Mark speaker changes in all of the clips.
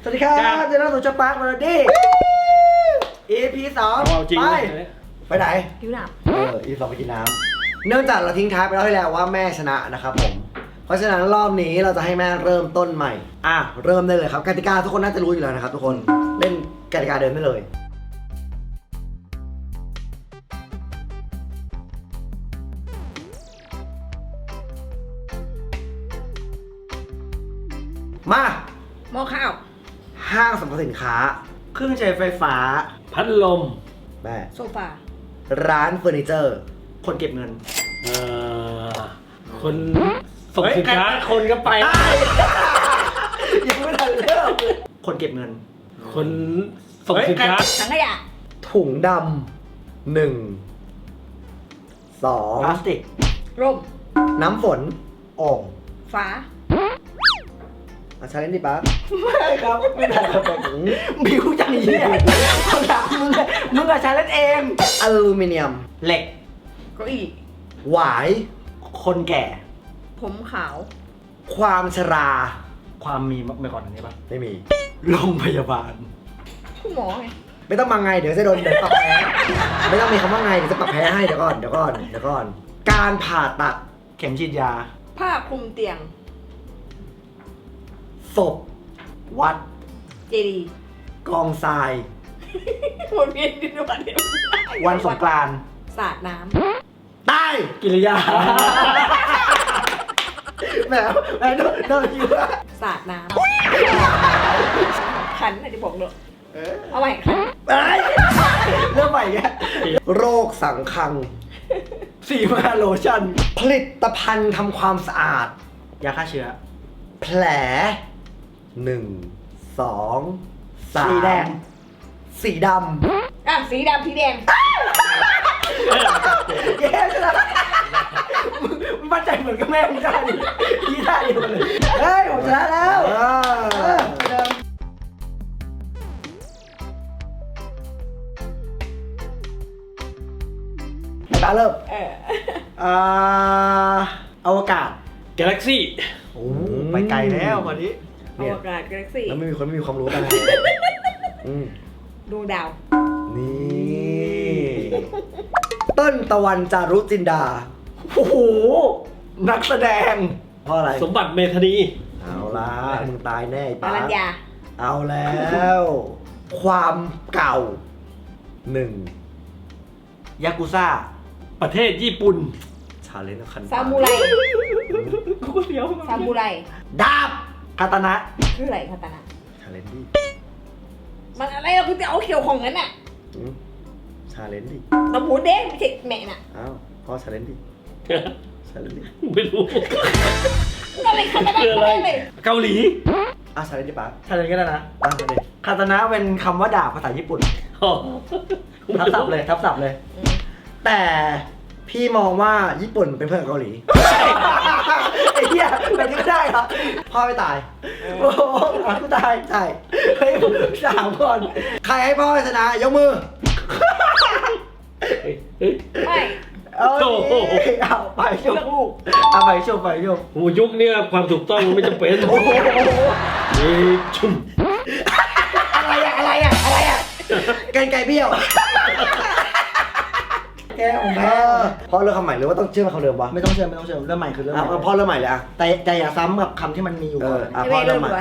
Speaker 1: สวัสดีครับเจอกันสู่ช่องปาร์คมาแล้วดิ EP 2ไปไหน
Speaker 2: ผิวหนับ
Speaker 1: EP 2ไปกินน้ำเนื่องจากเราทิ้งท้ายไปแล้วที่แล้วว่าแม่ชนะนะครับผมเพราะฉะนั้นรอบนี้เราจะให้แม่เริ่มต้นใหม่เริ่มได้เลยครับกติกาทุกคนน่าจะรู้อยู่แล้วนะครับทุกคนเล่นกติกาเดิมได้เลยมา
Speaker 2: หม้อข้าว
Speaker 1: ห้างสรรพสินค้าเครื่องใช้ไฟฟ้า
Speaker 3: พัดลม
Speaker 1: แม่
Speaker 2: โซฟา
Speaker 1: ร้านเฟอร์นิเจอร์คนเก็บเงิน
Speaker 3: คนส่งสินค้าคนก็ไป
Speaker 1: ยังไม่ทันเริ่มคนเก็บเงิน
Speaker 3: คนส่งสินค้า
Speaker 2: ถังขยะ
Speaker 1: ถุงดำ1 2พลาสติก
Speaker 2: ร่ม
Speaker 1: น้ำฝนโอ่ง
Speaker 2: ฟ้า
Speaker 1: ใช้เล่นดิป๊าไม่ครับไม่ได้ครับบิวจังยี่คนถามมึงใช้เล่นเองอลูมิเนียมเหล็ก
Speaker 2: เก้าอี้
Speaker 1: หวายคนแก่
Speaker 2: ผมขาว
Speaker 1: ความชรา
Speaker 3: ความมีมาก่อนอันนี้ป่ะ
Speaker 1: ไม่มีโรงพยาบาล
Speaker 2: คุณหมอไง
Speaker 1: ไม่ต้องมาไงเดี๋ยวจะโดนเดี๋ยวปรับแพ้ไม่ต้องมีคำว่าไงเดี๋ยวจะปรับแพ้ให้เดี๋ยวก่อนการผ่าตัดเข็มฉีดยา
Speaker 2: ผ้าคลุมเตียง
Speaker 1: ศพวัด
Speaker 2: เจดีย์
Speaker 1: กองทราย
Speaker 2: วนเวียนดินวันเดียว
Speaker 1: วันสงกรานต์
Speaker 2: สาดน้
Speaker 1: ำใต้กิริยาแม่โดนอยู่ว่า
Speaker 2: สาดน้ำขันอะไรจะบอกเลยเอาใหม่ขัน
Speaker 1: เริ่มใหม่แกโรคสังคังสีมาโลชั่นผลิตภัณฑ์ทำความสะอาดยาฆ่าเชื้อแผล1 2 3สีแดงสีดำ
Speaker 2: สีดำสีแดง
Speaker 1: เย้มึงมั่นใจเหมือนกับแม่มึงได้ที่ได้อยู่เลยเฮ้ยผมชนะแล้วตาเริ่มอวกาศ
Speaker 3: กาแล็กซี่
Speaker 1: โอ้ไปไกลแล้ววันนี้
Speaker 2: อวกาศกาแล็กซี่
Speaker 1: แล้วไม่มีคนไม่มีความรู้กัน
Speaker 2: ดวงดาว
Speaker 1: นี่ต้นตะวันจารุจินดาโอ้โหนักแสดงเพราะอะไร
Speaker 3: สมบัติเมธานี
Speaker 1: เอาล่ะมึงตายแน่
Speaker 2: ปารัญญา
Speaker 1: เอาแล้วความเก่า1ยากุซ่า
Speaker 3: ประเทศญี่ปุ่น
Speaker 1: ชาเลนจ์คัน
Speaker 2: ซามูไร
Speaker 3: กูเสียว
Speaker 2: ซามูไร
Speaker 1: ดาบคาตานะ
Speaker 2: คืออะไรคาตานะ
Speaker 1: ชาเลนจ์ดิ
Speaker 2: มันอะไรเราคือจะเอาเขียวของนั้นน่ะ
Speaker 1: ชาเลนจ์ดิ
Speaker 2: เราหมูเด้งไม่ใช่แม่น่ะ
Speaker 1: อ้าวพ่อชาเลนจ์ดิชาเลนจ์ดิ
Speaker 3: ไม่รู้
Speaker 2: อะไรคาตานะเลย
Speaker 3: เกาหลี
Speaker 1: ชาเลนจ์ดิป๊าชาเลนจ์ก็ได้นะคาตานะเป็นคำว่าดาบภาษาญี่ปุ่นทับศัพท์เลยแต่พี่มองว่าญี่ปุ่นเป็นเพื่อนกับเกาหลีไอ้เหี้ยแบบนี้ก็ได้ครับพ่อไม่ตายโอ้กูตายใช่เฮ้ย3 คนใครให้พ่อชนะยกมือ
Speaker 2: ไม่
Speaker 1: เอาไปชมไปชม
Speaker 3: โอ้ยุคนี้ความถูกต้องไม่จำเป็นชุ่ม
Speaker 1: อะไรอ่ะไก่เบี้ยวแกของแม่พ่อเริ่มคำใหม่หรือว่าต้องเชื่อคำเดิมวะ
Speaker 4: ไม่ต้องเชื่อเริ่มใหม่คือเริ่มใหม่
Speaker 1: พ่อเริ่มใหม่เลย
Speaker 4: แต่อย่าซ้ำกับคำที่มันมีอยู่ก่อน
Speaker 1: พ่อเริ่มใหม่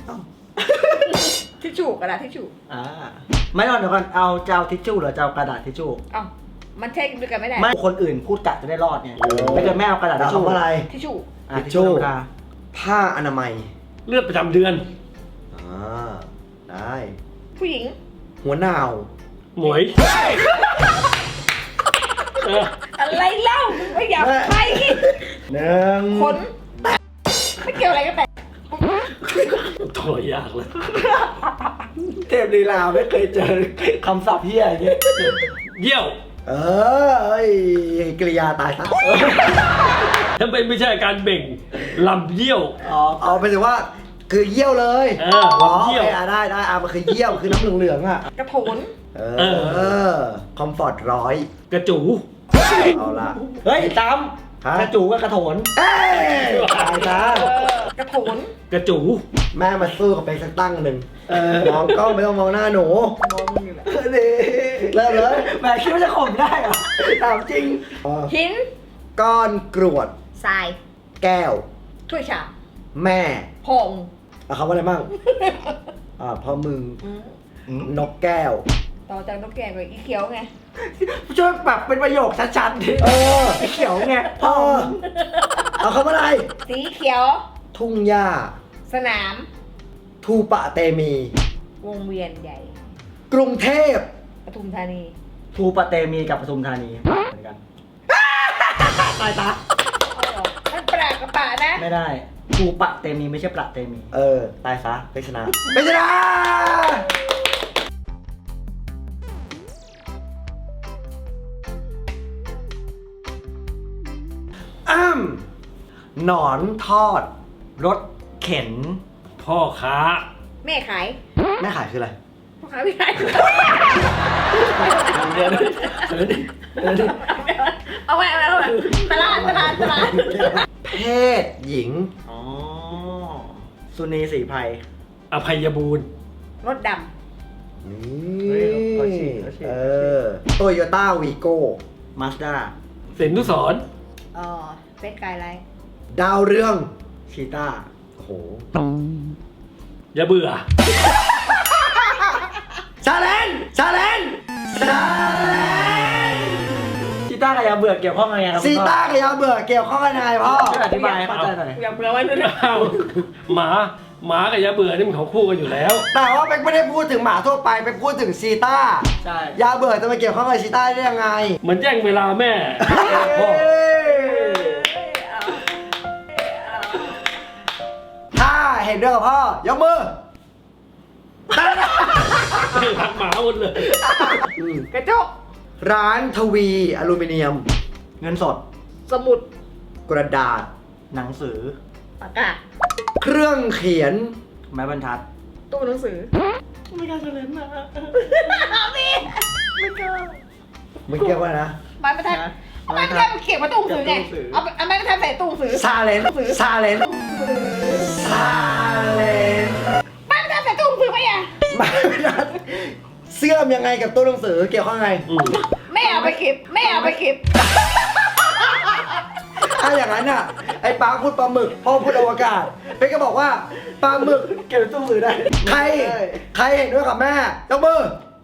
Speaker 2: ทิชชู่กระดาษทิชชู่
Speaker 4: ไม่เดี๋ยวก่อนจะเอาทิชชู่หรือจะเอากระดาษทิชชู่
Speaker 2: มันใช่ด้วยกันไม่ได้
Speaker 4: ไม่คนอื่นพูดกะจะได้รอดไงไม่เกิดแม่เอากระดาษทิชชู่
Speaker 1: อะไร
Speaker 2: ทิชชู่
Speaker 1: ผ้าอนามัย
Speaker 3: เลือดประจำเดือน
Speaker 1: ได้
Speaker 2: ผู้หญิง
Speaker 1: หัวหนาว
Speaker 3: หมวย
Speaker 2: อะไรเล่าไม่อยากไป
Speaker 1: 1
Speaker 2: คนไม่เกี่ยวอะไรกันแต่
Speaker 3: ตัวยากเลย
Speaker 1: เทพลีลาไม่เคยเจอคำศัพท์เหี้ยอย่างเงี้ย
Speaker 3: เยี่ยว
Speaker 1: กริยาตายซะ
Speaker 3: ถ้าไม่ใช่การเบ่งลำเยี่ยว
Speaker 1: เอาไปถือว่าคือเยี่ยวเลย
Speaker 3: เยี่ยว
Speaker 1: ได้มันคือเยี่ยวคือน้ำเหลืองอ่ะ
Speaker 2: กระโถน
Speaker 1: คอมฟอร์ต100
Speaker 3: กระจู
Speaker 1: เอาละ
Speaker 4: เฮ้ยตาม
Speaker 1: ฮะ
Speaker 4: กระจูก็กระโถน
Speaker 1: เอ้ยตายซะ
Speaker 2: กระโถน
Speaker 3: กระจู
Speaker 1: แม่มาสู้กับไปสักตั้งหนึ่งมองกล้องไม่ต้องมองหน้าหนู
Speaker 2: มองมึงอยู่แหละ
Speaker 1: นี่เริ่มเลย
Speaker 4: แหมคิดว่าจะข่มได้เหรอ
Speaker 1: ถามจริง
Speaker 2: หิน
Speaker 1: ก้อนกรวด
Speaker 2: ทราย
Speaker 1: แก้ว
Speaker 2: ถ้วยชาม
Speaker 1: แม่
Speaker 2: พอง
Speaker 1: เอาคำว่าอะไรบ้างพ่อมึง
Speaker 2: อืม
Speaker 1: นกแก้ว
Speaker 2: ต่อจากนกแก้วไปอีเขียวไง
Speaker 4: ช่วยแบบเป็นประโยคชัดๆดิ
Speaker 1: เออ
Speaker 4: ไอ้เขียวไง
Speaker 1: เออเอาคำว่าอะไร
Speaker 2: สีเขียว
Speaker 1: ทุ่งหญ้า
Speaker 2: สนาม
Speaker 1: ทูปะเตมี
Speaker 2: วงเวียนใหญ่
Speaker 1: กรุงเทพ
Speaker 2: ปทุมธานี
Speaker 4: ทูปะเตมีกับปทุมธานีเหมือนกันตายตา
Speaker 2: เอาเหรอมันปรากกระปะนะ
Speaker 4: ไม่ได้ทูปะเตมีไม่ใช่ประเตมี
Speaker 1: เออ ตายซะไปชนะไปชนะหนอนทอด
Speaker 4: รถเข็น
Speaker 3: พ่อค้า
Speaker 2: แม่ขาย
Speaker 1: แม่ขายคืออะไร
Speaker 2: พ่อขายไม่ขาย
Speaker 4: เดี๋ยวดิ
Speaker 2: เอาไว้ตลาด
Speaker 1: เพศหญิง
Speaker 4: อ๋อสุนีศรีไพร
Speaker 3: อภัยบูรณ์
Speaker 2: รถด
Speaker 1: นี
Speaker 4: เฮ้
Speaker 1: ่
Speaker 4: ยเขาฉีก
Speaker 1: โตโยต้าวีโก้
Speaker 4: มาสด้า
Speaker 3: สินทุสร
Speaker 2: ำเฟสกายไลท์
Speaker 1: ดาวเรือง
Speaker 4: ชีต้า
Speaker 1: โอ้โห
Speaker 3: อย่าเบื่อ
Speaker 1: ชาเลนชาเลนชาเลน
Speaker 4: ชีต้ากับยาเบื่อเกี่ยวข้องยังไงครับ
Speaker 1: ซีต้ากับยาเบื่อเกี่ยวข้องกันยังไงพ่อ
Speaker 4: ช่วยอธิบายให้เข้าใจหน่อย
Speaker 2: อย่าเบื่อไว้เลย
Speaker 3: อ้าวหมากับอย่าเบื่อนี่มันของคู่กันอยู่แล้ว
Speaker 1: แต่ว่าเป็กไม่ได้พูดถึงหมาทั่วไปเป็กพูดถึงซีต้า
Speaker 4: ใช่
Speaker 1: ยาเบื่อจะมาเกี่ยวข้องกับซีต้าได้ยังไง
Speaker 3: เหมือนแย่งเวลาแม่พ่อ
Speaker 1: ถ้าเห็นด้วยกับพ่อยกมือ
Speaker 3: รักหมาหมดเลย
Speaker 2: กระจก
Speaker 1: ร้านทวีอลูมิเนียม
Speaker 4: เงินสด
Speaker 2: สมุด
Speaker 1: กระดาษ
Speaker 4: หนังสือ
Speaker 2: ปากกา
Speaker 1: เครื่องเขียน
Speaker 4: ไม้บรรทัด
Speaker 2: ตู้หนังสือ
Speaker 4: ไม่กล้าเฉลยนะ
Speaker 2: พี่
Speaker 1: มึงเรียกว่านะ
Speaker 2: ไม้บรรทัดไม้บรรทัดเขียนมาตู้หนังสือไงเอาไม้บรรทัดใส่ตู้หนังสือ
Speaker 1: ซาเลนซาเลนซาเลน
Speaker 2: ไม้บรรทัดใส่ตู้หนังสือไหมอ่ะ
Speaker 1: มาเสื่อมยังไงกับตู้หนังสือเกี่ยวข้องไง
Speaker 2: แม่เอาไปเก็บ
Speaker 1: ถ้าอย่างนั้นอ่ะไอ้ปลาพูดปลาหมึกพ่อพูดอวกาศเป๊กก็บอกว่าปลาหมึก
Speaker 4: เก็บในตู้มือได้
Speaker 1: ใครเห็นด้วยกับแม่ยกมือ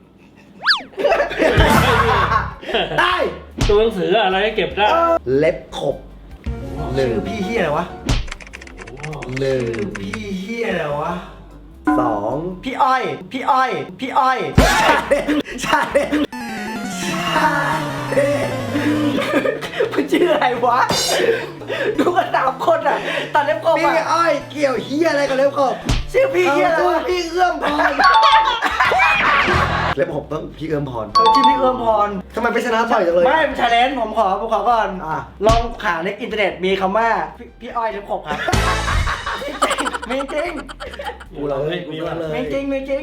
Speaker 1: ได้
Speaker 3: ตัวหนังสืออะไรก็เก็บได้
Speaker 1: เล็บขบหนึ่ง
Speaker 4: ชื่อพี่เฮียอะไรวะ
Speaker 1: หนึ่ง
Speaker 4: พี่เฮียอะไรวะ
Speaker 1: สอง
Speaker 4: พี่อ้อย พี่อ้อย พี่อ้อย
Speaker 1: ชาเลนชาเลน
Speaker 4: มันชื่ออะไรวะ ดูกันสามคนอ่ะตัดเล็บกบ
Speaker 1: พี่
Speaker 4: อ่ะ
Speaker 1: อ้อยเกี่ยวเฮียอะไรกับเล็บขบ
Speaker 4: ชื่อพี่เฮียอะไร
Speaker 1: ตัว
Speaker 4: วะ
Speaker 1: พี่เอื้อมพรเล็บขบต้องพี่เอื้อมพร
Speaker 4: เขาชื่อพี่เอื้อมพร
Speaker 1: ทำไมไปชนะต่อยจังเลย
Speaker 4: ไม่เป็นชาเลนจ์ผมขอก่อน
Speaker 1: อ่ะ
Speaker 4: ลองหาในอินเทอร์เน็ตมีคำว่าพี่อ้อยเล็บขบครับไม่จริง
Speaker 1: กูเราเลยกูเราเลย
Speaker 4: ไม่จริงไม่จริง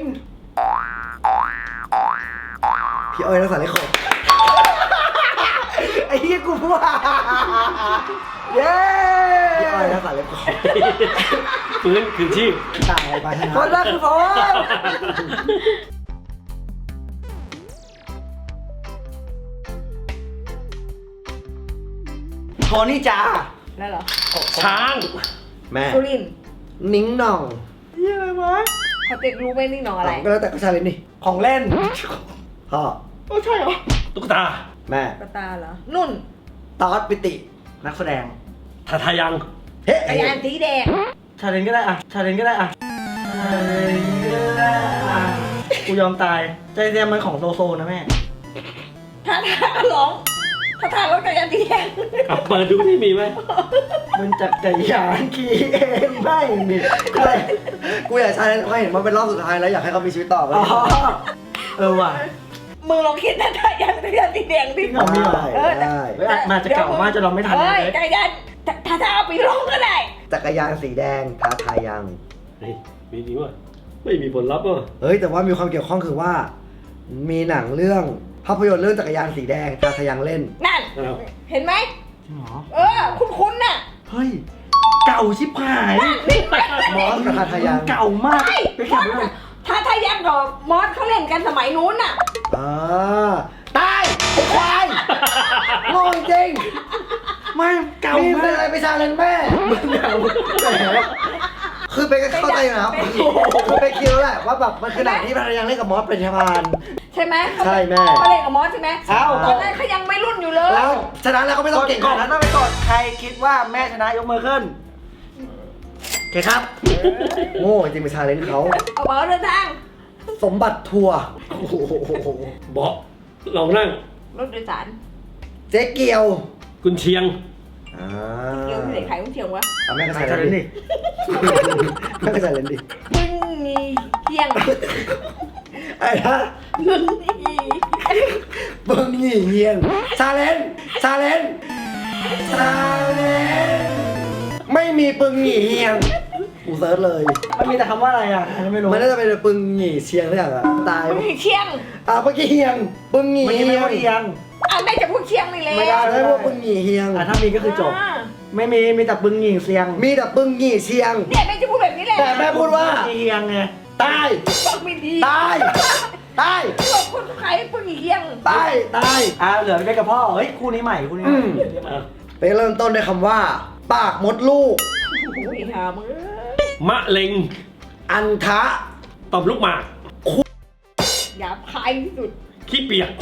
Speaker 1: พี่อ้อยรักษาเล็บขบ
Speaker 4: ไอ้เหี้ยกูว่าเย้
Speaker 1: พี่อ้อยรักษาเล็บขบ
Speaker 3: ฟื้นคืนชีพ
Speaker 1: ตายไปชนะ
Speaker 4: คนแรกคือผมโทนี่จ้า
Speaker 2: แล้วเหรอ
Speaker 3: ช้าง
Speaker 1: แม่
Speaker 2: สุรินทร์
Speaker 1: นิ้งหน่อง
Speaker 4: เหี้ยอะไรวะ
Speaker 2: เขาเต็กรู้ไหมนี่หนออะไร
Speaker 1: ก็แล้วแต่ก็ชาเลนจ์นี่
Speaker 4: ของเล่น
Speaker 1: พ่อ
Speaker 4: โอ้ใช่เหรอ
Speaker 3: ตุ๊กตา
Speaker 1: แม่
Speaker 2: กระตาเหรอ นุ่น
Speaker 1: ตอสปิติ
Speaker 4: นักแสดง
Speaker 3: ทายัง
Speaker 1: เฮ้
Speaker 2: จักรยานสีแดง
Speaker 4: ชาเลนจ์ก็ได้อะชาเลนจ์ก็ได้อะชาเลนจ์ก็ได้อะกูยอมตายใจเรียมมันของโซโซนะแม่
Speaker 2: ท่าร้องท่ารถจักรยานสีแดง
Speaker 3: กลับเปิดดูที่มีไหม
Speaker 4: มันจักรยานขี่เองไม่มี
Speaker 1: กูอยากชาเลนจ์เขาเห็นมันเป็นรอบสุดท้ายแล้วอยากให้เขามีชีวิตต่อไป
Speaker 4: อ๋อเออว่ะ
Speaker 2: มึงลองคิดนะจักรยานสีแดงดิ
Speaker 4: จริงเหรอมีเหรอ
Speaker 1: ได้
Speaker 4: เฮ้ยมาจะเก่ามากจะลองไม่ทัน
Speaker 2: เฮ้ย
Speaker 4: เลย
Speaker 2: จักรยานถ้าเอาไปร้องก็ได้
Speaker 1: จักรยานสีแดงท้าทายยัง
Speaker 3: เฮ้ยมีจริงวะไม่มีผลลัพธ์วะ
Speaker 1: เฮ้ยแต่ว่ามีความเกี่ยวข้องคือว่า มีหนังเรื่องภาพยนตร์เรื่องจักรยานสีแดงท้าทายยังเล่น
Speaker 2: นั่น
Speaker 3: อ้าว
Speaker 2: เห็นไหม
Speaker 4: จริงเหรอ
Speaker 2: คุ้นๆน่ะ
Speaker 4: เฮ้ย เก่าชิบหาย
Speaker 1: มอสกับทาทายัง
Speaker 4: เก่ามาก
Speaker 2: ใช่
Speaker 4: ไปแข่งด้วย
Speaker 2: ถ้ายังกับมอสเขาเล่นกันสมัยนู้นน่ะ
Speaker 1: ตายไอ้ควายโง่จริง
Speaker 4: ไม่เก่า
Speaker 1: นี่
Speaker 4: มา
Speaker 1: เป็น
Speaker 4: ก
Speaker 1: อะไรไปชาเลนแม่
Speaker 4: เก่าแหม
Speaker 1: คือเป็นเข้าใจอยู่นะครับคือไปคิดแล้วแหละว่าแบบมันคือหนังที่ภรรยาเล่นกับมอสเป็นชาล
Speaker 2: ใช่ไหม
Speaker 1: ใช่แม่
Speaker 2: เขาเล่นกับมอสใช่ไหม
Speaker 1: เอ้า
Speaker 2: ตอนนั้นเขายังไม่รุ่นอยู่เลย
Speaker 1: แล้วฉะนั้นแล้วก็ไม่ต้องเก่งข
Speaker 4: ก่อ
Speaker 1: นาด
Speaker 4: น
Speaker 1: นั้น
Speaker 4: ต้องไปกดใครคิดว่าแม่ชนะยกมือขึ้น
Speaker 1: โอเคครับ โง่จริงเป็นชาเลนเขา
Speaker 2: เอาเบอร์เดินทาง
Speaker 1: สมบัติทัวร์โอ้โห
Speaker 3: เบาะลองนั่ง
Speaker 2: รถโดยสาร
Speaker 1: เจ๊เกียว
Speaker 3: กุนเชียง
Speaker 2: เกี่ยวที่ไหนขายกุ้งเชียงวะ
Speaker 1: เอาแม่ก็
Speaker 4: ใคร
Speaker 1: ใส่
Speaker 4: ช
Speaker 1: เล
Speaker 4: นะ
Speaker 1: น
Speaker 4: นี่
Speaker 1: ดิแม่ก็ใส่เลนดิ
Speaker 2: มึงมีเชียง
Speaker 1: ไอ้ฮะ
Speaker 2: มึงมี
Speaker 1: เบิ้งหยี่เงียงชาเลนชาเลนชาเลนไม่มีปึงหยี่เฮียงกูเซิร์ชเลย
Speaker 4: มันมีแต่คำว่าอะไรอ่ะอันนี้ไม่รู้
Speaker 1: มันน่าจะเป็นปึงหยี่เชียงหรือเปล่าอะตาย
Speaker 2: มึงมีเชียง
Speaker 1: เมื่อกี้เฮียงปึงหยี่
Speaker 4: เมื่อกี้
Speaker 1: เฮี
Speaker 4: ไม่
Speaker 1: ยง
Speaker 4: ว่าเอียง
Speaker 2: แม่จะพูดเชียงนี่แหละ
Speaker 1: ไม่ได้ไม่ว่าปึงหยี่เฮียง
Speaker 4: ถ้ามีก็คือจบ ไม่มีแต่ปึงหญิงเสียง
Speaker 1: มีแต่ปึงหยี่เชียง
Speaker 2: เนี่ยแม่จะพูดแบบนี้แหละ
Speaker 1: แต่แม่พูดว่า
Speaker 4: เอียงไง
Speaker 1: ตาย
Speaker 2: บอกไม่ดี
Speaker 1: ตายตาย
Speaker 2: บอกคนขายมึงมีเชียง
Speaker 1: ตายตาย
Speaker 4: เหลือไปกับพ่อ เฮ้ย คู่นี้ใหม่คู่นี้ใหม่
Speaker 1: ไปเริ่มต้นด้วยคำว่า ปากมดลูก
Speaker 2: โอ้ยหามึง
Speaker 3: มะเร็ง
Speaker 1: อันทะ
Speaker 3: ต่อมลูกหมาก
Speaker 2: หยาบคายที่สุด
Speaker 3: ขี้เปียก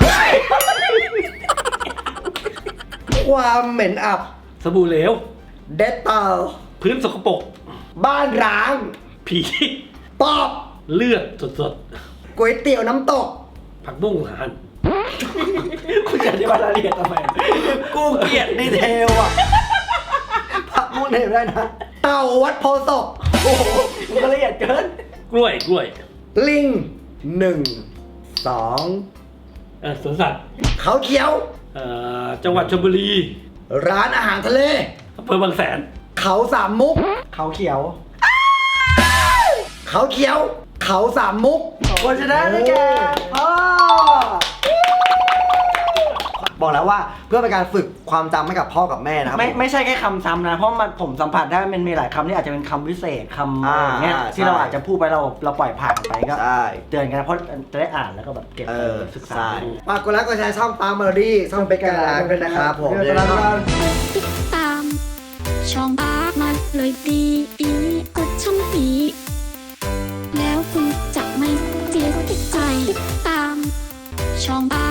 Speaker 1: ความเหม็นอับ
Speaker 3: สบู่เหลว
Speaker 1: เดตเตอร์
Speaker 3: พื้นสกปรก
Speaker 1: บ้านร้าง
Speaker 3: ผี
Speaker 1: ปอบ
Speaker 3: เลือดสด
Speaker 1: ก๋วยเตี๋ยวน้ำตก
Speaker 3: ๆ ผักบุ้งหั่น
Speaker 4: คุณจะอธิบายรายละเอียดทำไม
Speaker 1: กูเกลียดดีเทลอ่ะพักมุกเทลได้นะ เต่าวัดโพธิ์ศพ
Speaker 4: โอ้โหมันก็ละเอียดเกิน
Speaker 3: กล้วยกล้วย
Speaker 1: ลิงหนึ่งสอง
Speaker 3: สวนสัตว์
Speaker 1: เขาเขียว
Speaker 3: จังหวัดชลบุรี
Speaker 1: ร้านอาหารทะเล
Speaker 3: อำเภอบางแสน
Speaker 1: เขาสามมุก
Speaker 4: เขาเขียว
Speaker 1: เขาเขียว เขาสามมุก
Speaker 4: คนชนะได้แก่พ่อ
Speaker 1: บอกแล้วว่าเพื่อเป็นการฝึกความจำให้กับพ่อกับแม่นะครับ
Speaker 4: ไม่ใช่แค่คำซ้ำนะ เพราะมันผมสัมผัสได้มันมีหลายคำที่อาจจะเป็นคำวิเศษคำอะไรอย่างเงี้ย
Speaker 1: ใช่
Speaker 4: ที่เราอาจจะพูดไปเราปล่อยผ่านไปก็
Speaker 1: ใช่
Speaker 4: เตือนกันนะเพราะจะได้อ่านแล้วก็แบบเก็บไปศึกษา
Speaker 1: ใช่ฝากกดไลค์กดแชร์ช่องปาล์มเมอรี่ช่องเป็นการร้านด้วยนะครับผม
Speaker 4: เดี๋ยวเราจะ
Speaker 5: ติดตาม ช่องอาร์มาเลยดีกดช่องนี้ แล้วคุณจะไม่เสียใจติดตาม ช่องอา